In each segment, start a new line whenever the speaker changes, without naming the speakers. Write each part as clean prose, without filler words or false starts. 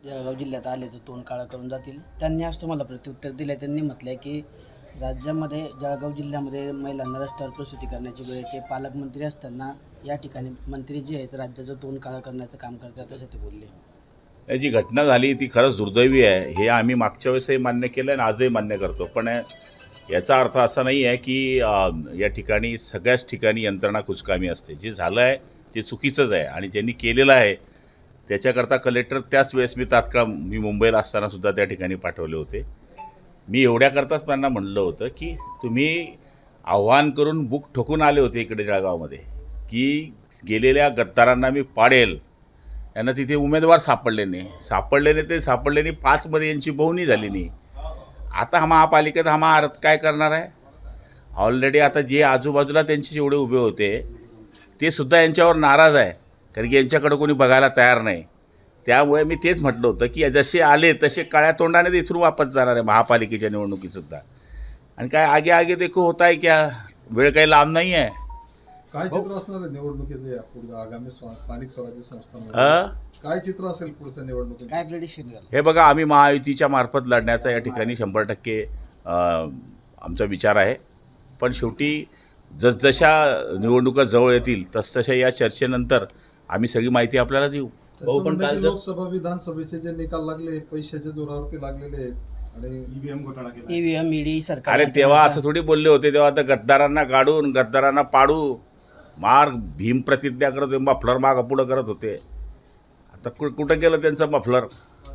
जळगाव जिल्ह्यात आले तर तोंड काळं करून जातील. त्यांनी आज तुम्हाला प्रत्युत्तर दिलं. त्यांनी म्हटलंय की राज्यामध्ये जळगाव जिल्ह्यामध्ये महिलांना रस्त्यावर प्रसूती करण्याची वेळ येते. पालकमंत्री असताना या ठिकाणी मंत्री जे आहेत राज्याचं तोंड काळं करण्याचं काम करतात असं ते बोलले.
जी घटना झाली ती खरंच दुर्दैवी आहे. हे आम्ही मागच्या वेळेसही मान्य केलं आणि आजही मान्य करतो. पण याचा अर्थ असा नाही आहे की या ठिकाणी सगळ्याच ठिकाणी यंत्रणा कुचकामी असते. जे झालं आहे ते चुकीचंच आहे आणि ज्यांनी केलेलं आहे त्याच्याकरता कलेक्टर त्याच वेळेस मी मुंबईला असतानासुद्धा त्या ठिकाणी पाठवले होते. मी एवढ्याकरताच त्यांना म्हणलं होतं की तुम्ही आव्हान करून बुक ठोकून आले होते इकडे जळगावमध्ये की गेलेल्या गद्दारांना मी पाडेल. यांना तिथे उमेदवार सापडले नाही. 5मध्ये यांची बहुनी झाली नाही. आता हा महापालिकेत हा महारथ काय करणार आहे. ऑलरेडी आता जे आजूबाजूला त्यांचे जेवढे उभे होते ते सुद्धा यांच्यावर नाराज आहे कारण की यांच्याकडे कोणी बघायला तयार नाही. त्यामुळे मी तेच म्हटलं होतं की जसे आले तसे काळ्या तोंडाने इथून वापस जाणार आहे महापालिकेच्या निवडणुकीसुद्धा. आणि काय आगे आगे देखो होता आहे क्या, वेळ काही लांब नाही आहे.
काय चित्र असणार आहे निवडणुकीचे पुढे आगामी स्थानिक स्वराज्य संस्थांमध्ये काय चित्र असेल पुढच्या निवडणुकीत,
काय प्रेडिक्शन झालं?
हे बघा, आम्ही महायुतीच्या मार्फत लढण्याचा या ठिकाणी 100% आमचा विचार आहे. पण शेवटी जसजशा निवडणुका जवळ येतील तसतशा या चर्चेनंतर आम्ही सगळी माहिती आपल्याला देऊ.
पण लोकसभा विधानसभेचे जे निकाल लागले पैशाच्या जोरावरती लागलेले आहेत आणि
ईव्हीएम ईडी सरकार.
अरे तेव्हा असं थोडी बोलले होते. तेव्हा आता गद्दारांना गाडून गद्दारांना पाडू मार भीम प्रतिज्ञा करत होते. मफलर मागं पुढं करत होते. आता कुठं गेलं त्यांचं मफलर.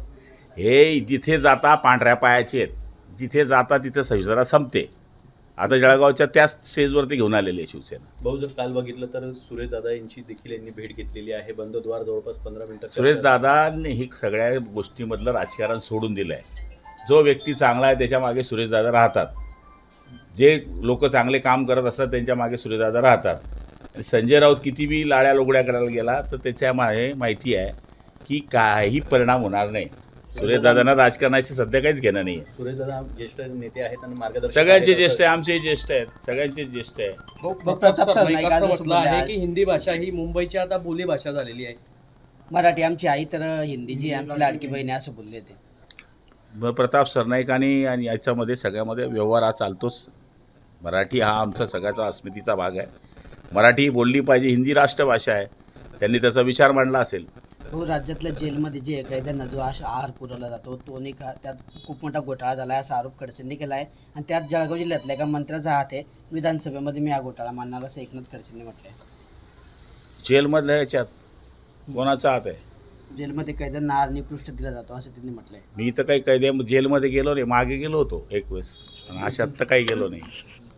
हे जिथे जाता पांढऱ्या पायाचे आहेत. जिथे जाता तिथे संविधान संपते. आता जळगावच्या त्याच स्टेजवरती घेऊन आलेली आहे शिवसेना.
भाऊ, जर काल बघितलं तर सुरेशदादा यांची देखील यांनी भेट घेतलेली आहे. बंद द्वार जवळपास 15 मिनिटं.
सुरेशदादांनी ही सगळ्या गोष्टीमधलं राजकारण सोडून दिलं आहे. जो व्यक्ती चांगला आहे त्याच्या मागे सुरेशदादा राहतात. जे लोक चांगले काम करत असतात त्यांच्या मागे सुरेशदादा राहतात. आणि संजय राऊत किती बी लाड्या लोगड्या करायला गेला तर त्याच्या माहिती आहे की काही परिणाम होणार नाही. सुरेशदादांना राजकारणाशी सध्या काहीच घेणं नाही आहे.
सुरेशदादा ज्येष्ठ नेते आहेत आणि मार्गदर्शक
सगळ्यांचे ज्येष्ठ आहे. आमचेही ज्येष्ठ आहेत. सगळ्यांचे ज्येष्ठ आहे.
प्रताप सरनाईक आज असं
म्हटलं
बोलले
आहे
आज,
की हिंदी भाषा ही मुंबईची आता बोलीभाषा झालेली आहे.
मराठी आमची आई तर हिंदी जी आमची लाडकी बहीण आहे असं बोलले ते.
प्रताप सरनाईकांनी आणि याच्यामध्ये सगळ्यामध्ये व्यवहार हा चालतोच. मराठी हा आमचा सगळ्याचा अस्मितेचा भाग आहे. मराठी ही बोलली पाहिजे. हिंदी राष्ट्रभाषा आहे. त्यांनी त्याचा विचार मांडला असेल.
हो, राज्यातल्या जेलमध्ये जे कैद्यांना जो आहार पुरवला जातो तो नाही का, त्यात खूप मोठा घोटाळा झाला आहे असा आरोप खडसेंनी केला आहे. आणि त्यात जळगाव जिल्ह्यातल्या एका मंत्र्याचा हात आहे. विधानसभेमध्ये मी हा घोटाळा मांडणार असं एकनाथ खडसेंनी म्हटलं आहे.
जेलमधल्या ह्याच्यात कोणाचा हात आहे.
जेलमध्ये कैद्यांना आहार निकृष्ट दिला जातो असं त्यांनी म्हटलं आहे.
मी तर काही कैद्या जेलमध्ये गेलो नाही. मागे गेलो होतो एक वेळेस. पण अशात तर काही गेलो नाही.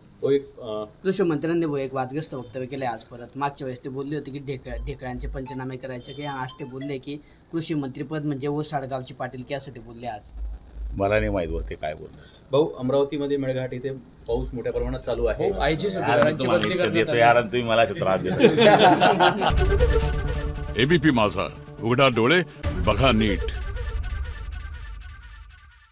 कृषी मंत्र्यांनी एक वादग्रस्त वक्तव्य केलं आहे आज परत. मागच्या वेळेस ते बोलले होते की ढेकळ्यांचे पंचनामे करायचे की आज ते बोलले की कृषी मंत्रीपद म्हणजे ओसाडगावची पाटील की असं ते बोलले आज.
मला नाही माहीत होते काय बोलणार.
भाऊ, अमरावतीमध्ये मेळघाट इथे पाऊस मोठ्या प्रमाणात चालू आहे.
आयजी सुधारांची बदली करण्यात आली.
यार तुम्ही मला त्रास देता.
एबीपी माझा, उघडा डोळे बघा नीट.